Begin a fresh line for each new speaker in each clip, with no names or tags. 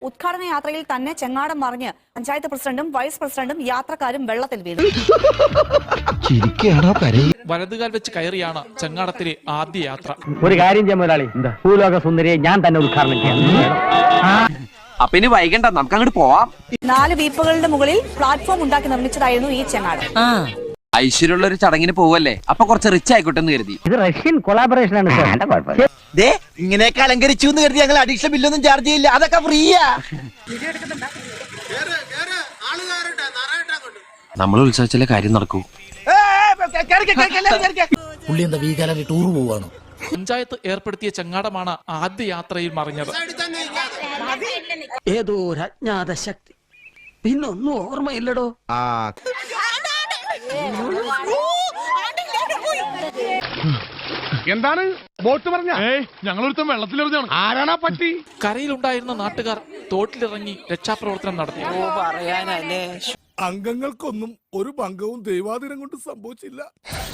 ഉദ്ഘാടന യാത്രയിൽ തന്നെ ചെങ്ങാടം മറിഞ്ഞ് പഞ്ചായത്ത് പ്രസിഡന്റും വൈസ് പ്രസിഡന്റും യാത്രക്കാരും വെള്ളത്തിൽ വീണു.
വലതുകാൽ വെച്ച് കയറിയാണ് ചെങ്ങാടത്തിലെ ആദ്യ യാത്ര.
ഒരു കാര്യം ചെയ്യാൻ മുതലാളി, ഭൂലോക സുന്ദരിയെ ഞാൻ തന്നെ ഉദ്ഘാടനം ചെയ്യാം.
അപ്പൊ ഇനി വൈകണ്ട, നമുക്ക് അങ്ങോട്ട് പോവാം.
4 വീപ്പുകളുടെ മുകളിൽ പ്ലാറ്റ്ഫോം ഉണ്ടാക്കി നിർമ്മിച്ചതായിരുന്നു ഈ ചെങ്ങാടം.
ഐശ്വര്യമുള്ള ഒരു ചടങ്ങിന് പോവല്ലേ, അപ്പൊ കുറച്ച് റിച്ച് ആയിക്കോട്ടെ എന്ന് കരുതി.
ഇത് റഷ്യൻ കൊളാബറേഷൻ ആണ്.
ഇങ്ങനെയൊക്കെ അലങ്കരിച്ചു എന്ന് കരുതി ഞങ്ങൾ അഡീഷണൽ ബില്ലൊന്നും ചാർജ് ചെയ്യില്ല, അതൊക്കെ ഫ്രീയാ.
നമ്മൾ ഉത്സവിച്ചാലേ കാര്യം നടക്കൂ.
ടൂർ പോവാണോ?
പഞ്ചായത്ത് ഏർപ്പെടുത്തിയ ചെങ്ങാടമാണ് ആദ്യ യാത്രയിൽ മറിഞ്ഞത്.
ഏതോ ഒരു അജ്ഞാത ശക്തി, പിന്നൊന്നും ഓർമ്മയില്ലടോ.
എന്താണ് ബോട്ട് പറഞ്ഞ? ഞങ്ങളൊരുത്തം വെള്ളത്തിലെറിഞ്ഞാണ്. ആരാണാ പറ്റി?
കരയിലുണ്ടായിരുന്ന നാട്ടുകാർ തോട്ടിലിറങ്ങി രക്ഷാപ്രവർത്തനം നടത്തി.
അംഗങ്ങൾക്കൊന്നും ഒരു ഭംഗവും ദൈവാധീനം കൊണ്ട് സംഭവിച്ചില്ല.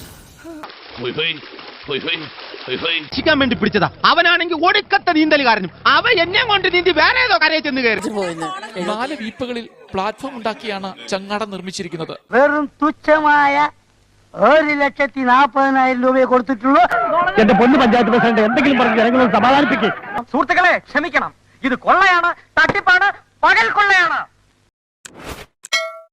രക്ഷിക്കാൻ വേണ്ടി പിടിച്ചതാ. അവനാണെങ്കിൽ ഒടുക്കത്തെ നീന്തലുകാരനും. അവ എന്നെ കൊണ്ട് നീന്തി വേറെ ഏതോ കരയെ ചെന്ന് കയറി.
4 വീപ്പുകളിൽ പ്ലാറ്റ്ഫോം ഉണ്ടാക്കിയാണ് ചെങ്ങാടം നിർമ്മിച്ചിരിക്കുന്നത്.
വെറും തുച്ഛമായ 1,40,000 രൂപയെ കൊടുത്തിട്ടുള്ളൂ. എന്റെ പൊന്നു പഞ്ചായത്ത് പ്രസിഡന്റ്, എന്തെങ്കിലും പറഞ്ഞ് ജനങ്ങളെ സമാധാനിപ്പിക്കും. സുഹൃത്തുക്കളെ ക്ഷമിക്കണം, ഇത് കൊള്ളയാണ്, തട്ടിപ്പാണ്, പകൽ കൊള്ളയാണ്.